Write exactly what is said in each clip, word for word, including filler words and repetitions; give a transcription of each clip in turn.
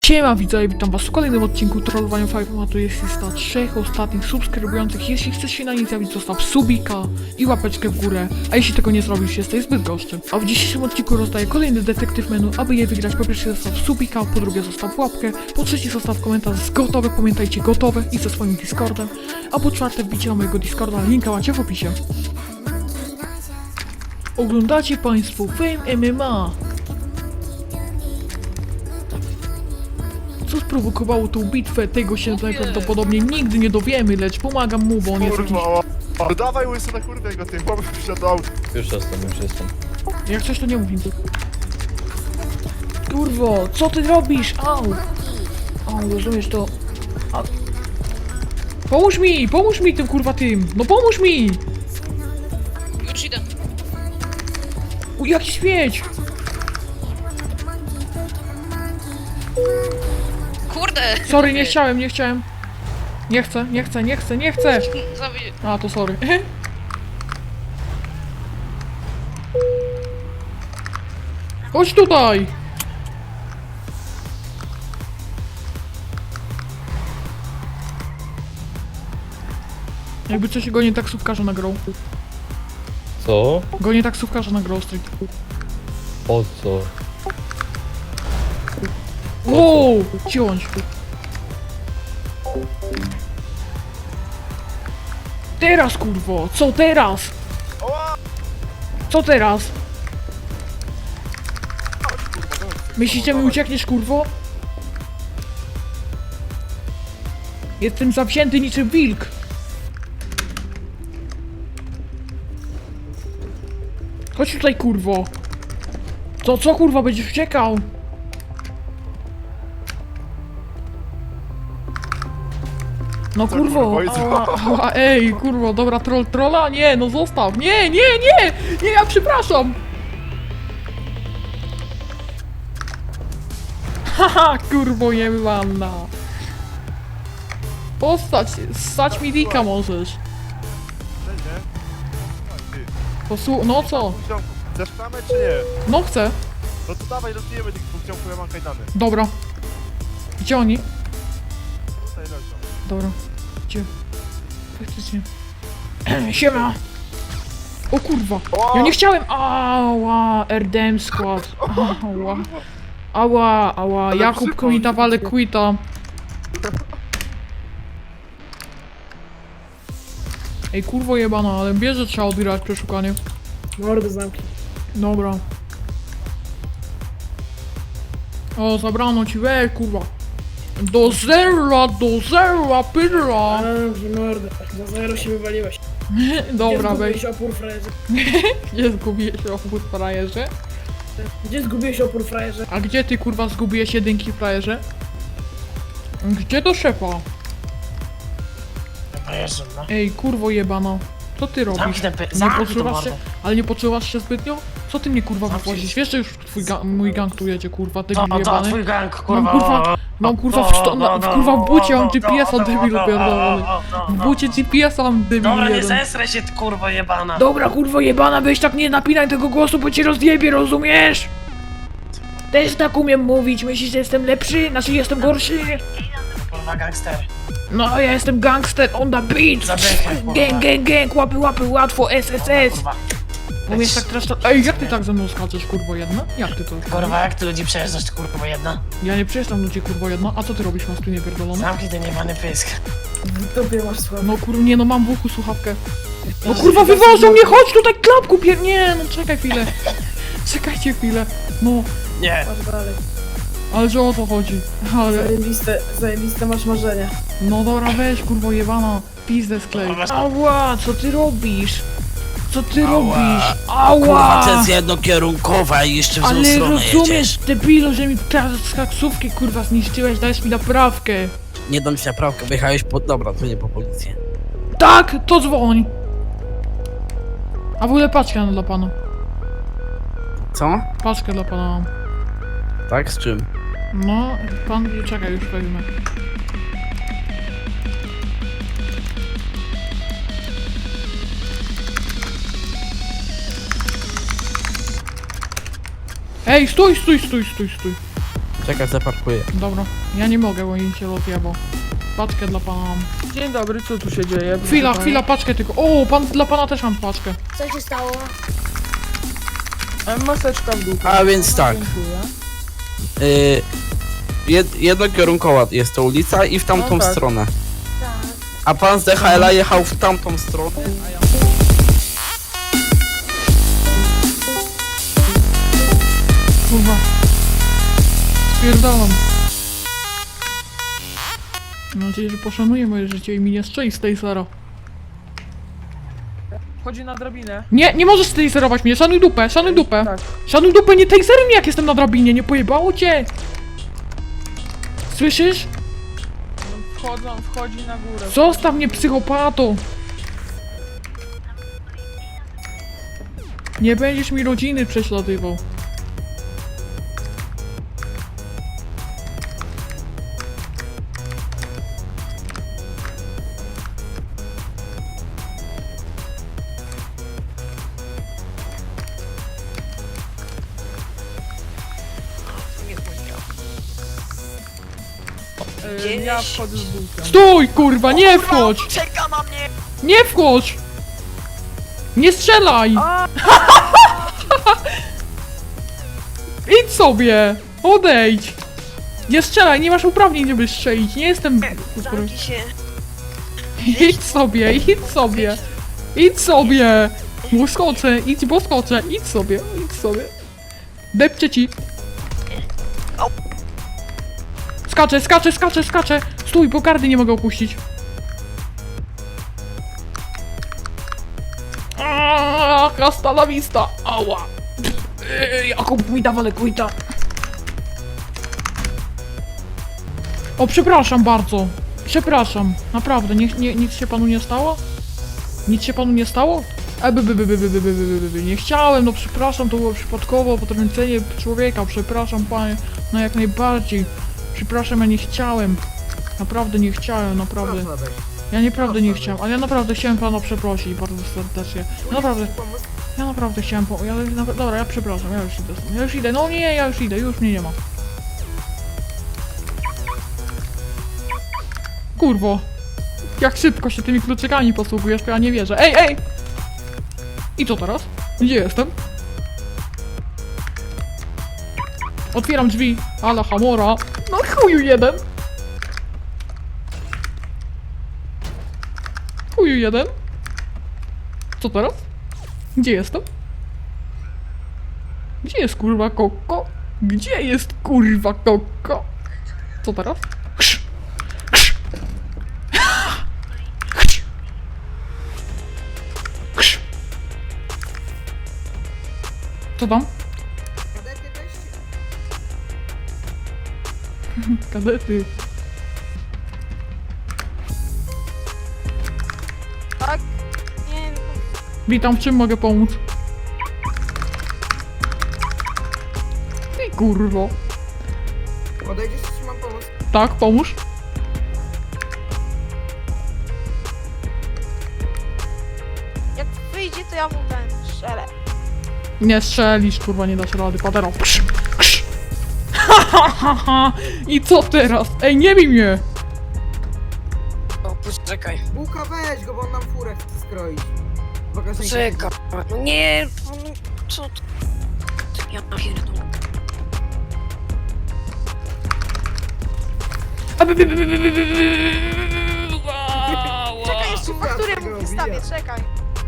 Siema widzowie, witam was w kolejnym odcinku Trollowania Five'a, a tu jest lista trzech ostatnich subskrybujących. Jeśli chcesz się na nie zjawić, zostaw subika i łapeczkę w górę, a jeśli tego nie zrobisz, jesteś zbyt goszczy. A w dzisiejszym odcinku rozdaję kolejny detektyw menu. Aby je wygrać, po pierwsze zostaw subika, po drugie zostaw łapkę, po trzecie zostaw komentarz gotowe, pamiętajcie gotowe i ze swoim Discordem, a po czwarte wbicie na mojego Discorda, linka macie w opisie. Oglądacie państwo Fame M M A. Co sprowokowało tą bitwę, tego się najprawdopodobniej nigdy nie dowiemy, lecz pomagam mu, bo on jest jakiś... Kurwa, dawaj łysy na kurwę go, ty chłopy wsiadał. Już jestem, już jestem. Jak coś to nie mów nic. Kurwo, co ty robisz? Au! Au, rozumiesz to... A... Pomóż mi, pomóż mi tym kurwa tym! No pomóż mi! Już idę. U, jaki śmieć! Kurde! Sorry, nie chciałem, nie chciałem. Nie chcę, nie chcę, nie chcę, nie chcę! Zabi- A, to sorry. Chodź tutaj! Jakby coś go nie taksówkarza nagrał. Co? Go nie taksówkarza nagrał street. Po co? Wow! Ciąć! Teraz kurwo! Co teraz? Co teraz? Myślicie, mi uciekniesz kurwo? Jestem zawzięty niczym wilk! Chodź tutaj kurwo! Co, co kurwa, będziesz uciekał? No kurwo, ała, ała, ej, kurwo, dobra, troll, trolla, nie, no zostaw, nie, nie, nie, nie, ja przepraszam. Haha, kurwo jebana. Postać, stać mi dika możesz. Posłu... no co? Chcesz klamę czy nie? No chcę. No to dawaj, rozbijemy tych dwóch ciągów, ja mam kajdany. Dobra. Gdzie oni? Tutaj leżą. Dobra. Gdzie? Faktycznie. Siema! O kurwa! Ja nie chciałem! Ała! R D M skład! Ała! Ała! Ała! Ale Jakub przypał, mi dawale quita! Ej kurwo jebana, ale bierze trzeba odbierać przeszukanie. Mordę zamknij. Dobra. O, zabrano ci, weź kurwa. Do zera, do zera, pyrra! Dobrze, mordę. Za zero się wywaliłeś. Dobra, Gdzie weź. zgubiłeś opór frajerze? Gdzie zgubiłeś opór frajerze? Gdzie zgubiłeś opór frajerze? A gdzie ty kurwa zgubiłeś jedynki frajerze? Gdzie do szefa? Frajerze, no. Ej, kurwo jebana. Co ty robisz? Zamknij ten py- Nie zamknij tą poczuwasz się? mordę. Ale nie poczuwasz się zbytnio? Co ty mnie kurwa Zamknij. wypłacisz? Wiesz, że już twój ga mój gang tu jedzie, kurwa, debil To, to jebany? twój gang, Mam kurwa. kurwa, mam kurwa w, sto, na, w kurwa w bucie mam G P S-a debilu pierdolony. W bucie G P S-a mam debil Dobra, nie jeden. zesraj się, ty kurwa jebana. Dobra kurwo jebana, weź tak nie napinaj tego głosu, bo cię rozjebie, rozumiesz? Też tak umiem mówić, myślisz, że jestem lepszy? Znaczy jestem gorszy? Kurwa gangster. No, ja jestem gangster on the beat! Zadechaj, kurwa. Gang, gang, gang, łapy, łapy, łatwo, S S S! Kurwa. Umiesz tak teraz... Ej, jak ty tak ze mną skaczesz, kurwo jedna? Jak ty to? Kurwa, jak ty ludzi przejeżdżasz, ty kurwa jedna? Ja nie przejeżdżam ludzi, kurwo jedna, a co ty robisz, masz tu niepierdolone? Zamknij ten jebany pysk. W dupie masz słabo. No kur... nie no, mam w uchu słuchawkę. No kurwa, wywożą mnie, chodź tutaj, klapku pier... Nie, no czekaj chwilę. Czekajcie chwilę. No, Nie. Masz dalej. ale że o to chodzi. Ale... Zajebiste, zajebiste masz marzenia. No dobra, weź, kurwo jebana. Pizdę sklej. Ała, co ty robisz? Co ty robisz? Ała! Kurwa, to jest jednokierunkowa i jeszcze w złą Ale stronę rozumiesz, jedziesz. debilu, że mi z taksówki kurwa zniszczyłeś, dajesz mi naprawkę. Nie dam ci naprawkę, wyjechałeś po... Dobra, to nie po policję. Tak, to dzwoń. A w ogóle paczkę dla pana. Co? Paczkę dla pana mam. Tak, z czym? No, pan, czekaj, już wezmę. Ej, stój, stój, stój, stój, stój. Czekaj, zaparkuję. Dobra, ja nie mogę, bo im się rozjebał. Paczkę dla pana mam. Dzień dobry, co tu się dzieje? Chwila, chwila, paczkę tylko. O, pan, dla pana też mam paczkę. Co się stało? E, Maseczka w dół. A więc tak. Dziękuję. Y, jed, jednokierunkowa jest to ulica i w tamtą No tak. stronę. Tak. A pan z D H L-a jechał w tamtą stronę, a ja... Kurwa. Spierdalam. Mam nadzieję, że poszanuje moje życie i mi nie strzeli z tej zero. Chodzi na drabinę. Nie, nie możesz taserować mnie, szanuj dupę, szanuj dupę. Tak. Szanuj dupę, nie taseruj mnie jak jestem na drabinie, nie pojebało cię. Słyszysz? No, wchodzą, wchodzi na górę. Zostaw mnie, psychopato. Nie będziesz mi rodziny prześladował. E, ja wchodzę z bułkiem. Stój, kurwa, nie wchodź! Czeka na mnie! Nie wchodź! Nie strzelaj! Idź sobie! Odejdź! Nie strzelaj, nie masz uprawnień, żeby strzelić. Nie jestem... Zamknij się. Idź sobie, idź sobie! Idź sobie! Bo skoczę, idź, bo skoczę, idź sobie, idź sobie. Depczę ci. Skaczę, skaczę, skaczę, skaczę! Stój, bo kardy nie mogę opuścić. Aaaa, hasta la vista! Ała! Eee, Jakub mi dawa lekujta. O, przepraszam bardzo. Przepraszam, naprawdę, nie, nie, nic się panu nie stało? Nic się panu nie stało? E, by, by, by, by, by, by, by, by, by, by. Nie chciałem, no przepraszam, to było przypadkowo, potrącenie człowieka, przepraszam panie, no jak najbardziej. Przepraszam, ja nie chciałem. Naprawdę nie chciałem, naprawdę. Ja naprawdę nie chciałem, ale ja naprawdę chciałem pana przeprosić bardzo serdecznie. Naprawdę, ja naprawdę chciałem po... Ja, na, dobra, ja przepraszam, ja już idę stąd. Ja już idę, no nie, ja już idę, już mnie nie ma. Kurwo. Jak szybko się tymi kluczykami posługujesz, to ja nie wierzę. Ej, ej! I co teraz? Gdzie jestem? Otwieram drzwi, ala Hamora. No chuju jeden. Chuju jeden. Co teraz? Gdzie jestem? Gdzie jest kurwa Koko? Gdzie jest kurwa Koko? Co teraz? Krz. Krz. Krz. Krz. Co tam? Kadety. Tak? Nie, Witam, w czym mogę pomóc? Ty kurwo. Odejdziesz, czy mam pomóc? Tak, pomóż. jak wyjdzie, to ja mu ten strzelę. Nie strzelisz, kurwa, nie dasz rady. Patero. Krz, krz. Ha, ha, ha, ha. I co teraz? Ej, nie bij mnie. O, poczekaj. Bułka, weź go, bo on nam furę chce skroić. Poczekaj. No nie, no co to? Ja pierdolę. Czekaj, jeszcze fakturę mu wystawię, czekaj.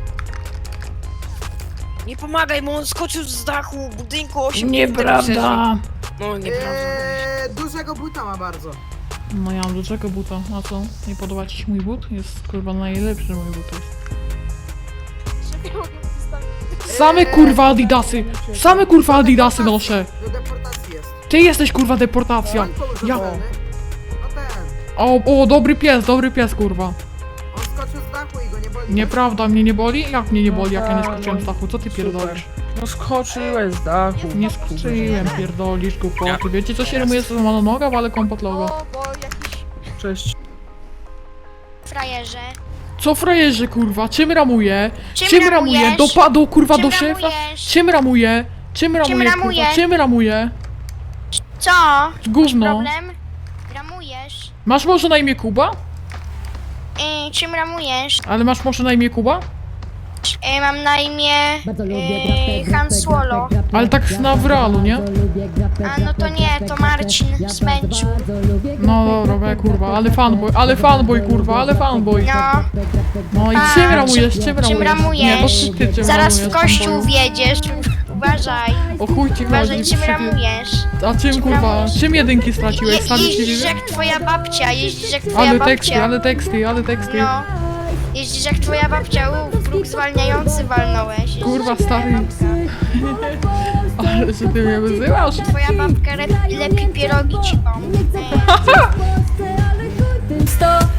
Nie pomagaj mu, on skoczył z dachu budynku osiem. Nieprawda. No nieprawda. Eee, dużego buta ma bardzo. No ja mam do czego buta. A co? Nie podoba ci się mój but? Jest kurwa najlepszy mój but jest. Że nie mogę mu wystawić. Same kurwa adidasy. Same kurwa adidasy noszę. Do deportacji jest. Ty jesteś kurwa deportacja. On kogoś Ja... obrony. No ten. O, o, dobry pies, dobry pies kurwa. On skoczył z dachu i go nie boli. Nieprawda, mnie nie boli? Jak mnie nie boli, jak ja nie skoczyłem z dachu? Co ty pierdolisz? No skoczyłeś z dachu. Nie skoczyłem, pierdolisz głupoty. Wiecie co się rymuje z złamana noga, ale kompot logo. O, bo jakiś Cześć. frajerze. Co frajerzy kurwa? Czym ramuje? Czym Czym ramuje? ramujesz? Dopadł kurwa Czym do szefa? ramujesz? Czym ramuje? Czym ramuje kurwa? ramujesz? Czym ramuje? Co? Gówno. Problem? Ramujesz? Masz może na imię Kuba? Yy, czym ramujesz? Ale masz może na imię Kuba? Yy, mam na imię yy, Han Solo. Ale tak na w realu, nie? A no to nie, to Marcin z Bęczu. No dobra, we, kurwa, ale fanboy, ale fanboy, kurwa, ale fanboy. No, No i A, czym ramujesz, czym czym ramujesz? ramujesz? Nie, bo ty, ty czym zaraz w ramujesz, kościół fanboyu? wjedziesz. Uważaj, O chuj ci uważaj chodzi, czym przecież- ramujesz. A czym, czym kurwa, ramujesz? czym jedynki Je, straciłeś? Stawisz jeździsz ci jak twoja babcia, jeździsz jak twoja Ale babcia. teksty, ale teksty, ale teksty. No, jeździsz jak twoja babcia, u, próg zwalniający walnąłeś. Jeździsz Kurwa, jak twoja stary. babka. Ale że ty mnie wyzywasz? Twoja babka lepi, lepi pierogi ci pomóc. Sto